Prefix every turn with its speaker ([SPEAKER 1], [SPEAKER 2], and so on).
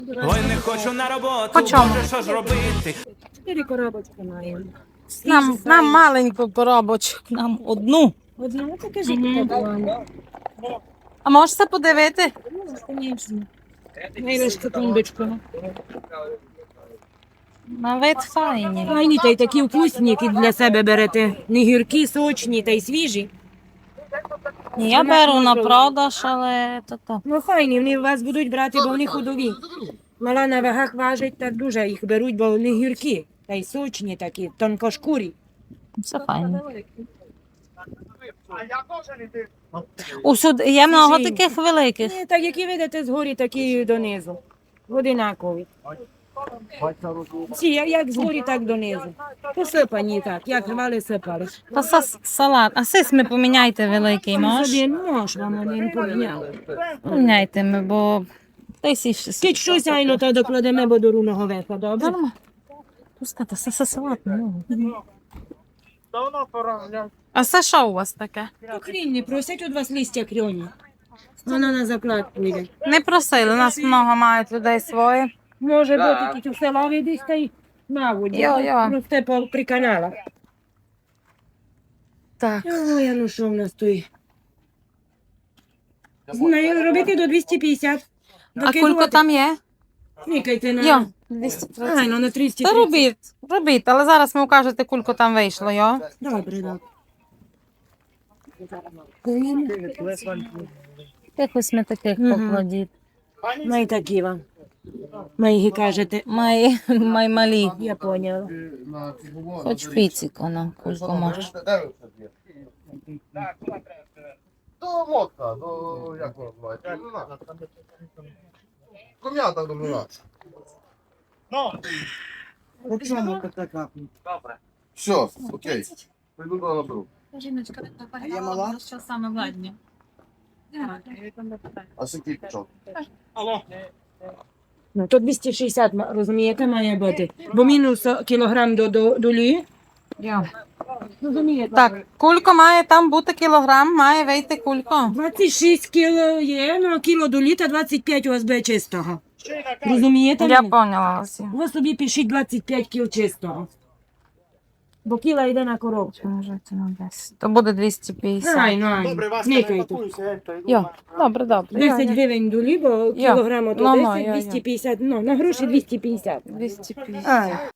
[SPEAKER 1] Ой, не хочу на роботу,
[SPEAKER 2] По чому?
[SPEAKER 1] Боже, що ж робити?
[SPEAKER 3] 4 коробочки маємо.
[SPEAKER 2] Нам маленьку коробочку, нам одну.
[SPEAKER 3] Одну таке життя.
[SPEAKER 2] А можете подивити?
[SPEAKER 3] Звісно. Найважчу тумбочку.
[SPEAKER 2] На вид файні.
[SPEAKER 3] Файні та й такі вкусні, які для себе берете. Не гіркі, сочні та й свіжі.
[SPEAKER 2] Я беру на продаж, але то.
[SPEAKER 3] Ну файні, вони вас будуть брати, бо вони ходові. Мала на вагах важить, так дуже їх беруть, бо вони гіркі. Та й сочні такі, тонкошкурі.
[SPEAKER 2] Все файно. Усюди є много таких великих.
[SPEAKER 3] Ні, так які видите згорі, такі й донизу. Одинакові. Всі, як згорі, так донизу. Посипані так, як рвали, сипали.
[SPEAKER 2] То салат. А сис ми поміняйте великий, мож?
[SPEAKER 3] Собі нож вам один поміняли.
[SPEAKER 2] Поміняйте ми, бо десь іще.
[SPEAKER 3] Скільки щось айно, то докладемо, бо до руного веха, добре?
[SPEAKER 2] Нормально. Пускайте, це салат. А це що у вас таке?
[SPEAKER 3] Крінь не просять від вас листя крьоні. Вона на закладку йде.
[SPEAKER 2] Не просили, нас много мають людей своє.
[SPEAKER 3] Може бути тільки в селові десь та й на воді.
[SPEAKER 2] Йо.
[SPEAKER 3] Росте при каналах.
[SPEAKER 2] Так.
[SPEAKER 3] Ой, а ну що в нас тут? Знаю, робити до 250.
[SPEAKER 2] А кулько там є?
[SPEAKER 3] Клікайте на...
[SPEAKER 2] Йо, 230.
[SPEAKER 3] Ай, ну на 330.
[SPEAKER 2] Та робіть, але зараз ми укажете, кулько там вийшло, йо.
[SPEAKER 3] Добре, добре.
[SPEAKER 2] Якось ми таких покладіть.
[SPEAKER 3] Май такі вам. Май їх кажете.
[SPEAKER 2] Май малі.
[SPEAKER 3] Я поняла.
[SPEAKER 2] Хоч піціко нам, кулько може.
[SPEAKER 4] То мотка, то як вона називається? Ком'ята домина. Все, окей. Прийду до наберу.
[SPEAKER 5] Жіночка, я мала? Що саме владні?
[SPEAKER 4] А скільки пішов?
[SPEAKER 3] Ну, то 260, розумієте, має бути. Бо мінус кілограм до долі. Розумієте?
[SPEAKER 2] Так, кулько має там бути кілограм, має вийти кулько.
[SPEAKER 3] 26 кіло є, ну кіло до літа, 25 у вас буде чистого. Розумієте?
[SPEAKER 2] Я
[SPEAKER 3] мене?
[SPEAKER 2] поняла вас.
[SPEAKER 3] Ви собі пишіть 25 кіл чистого. Бо кіла йде на коробку.
[SPEAKER 2] То буде 250.
[SPEAKER 3] Ай, ну, ай, никайте.
[SPEAKER 2] Йо, добре.
[SPEAKER 3] 10 гривень долі, бо кілограм то
[SPEAKER 2] Ну,
[SPEAKER 3] 10,
[SPEAKER 2] йо.
[SPEAKER 3] 250, ну, на гроші 250.
[SPEAKER 2] 250.
[SPEAKER 3] Ай.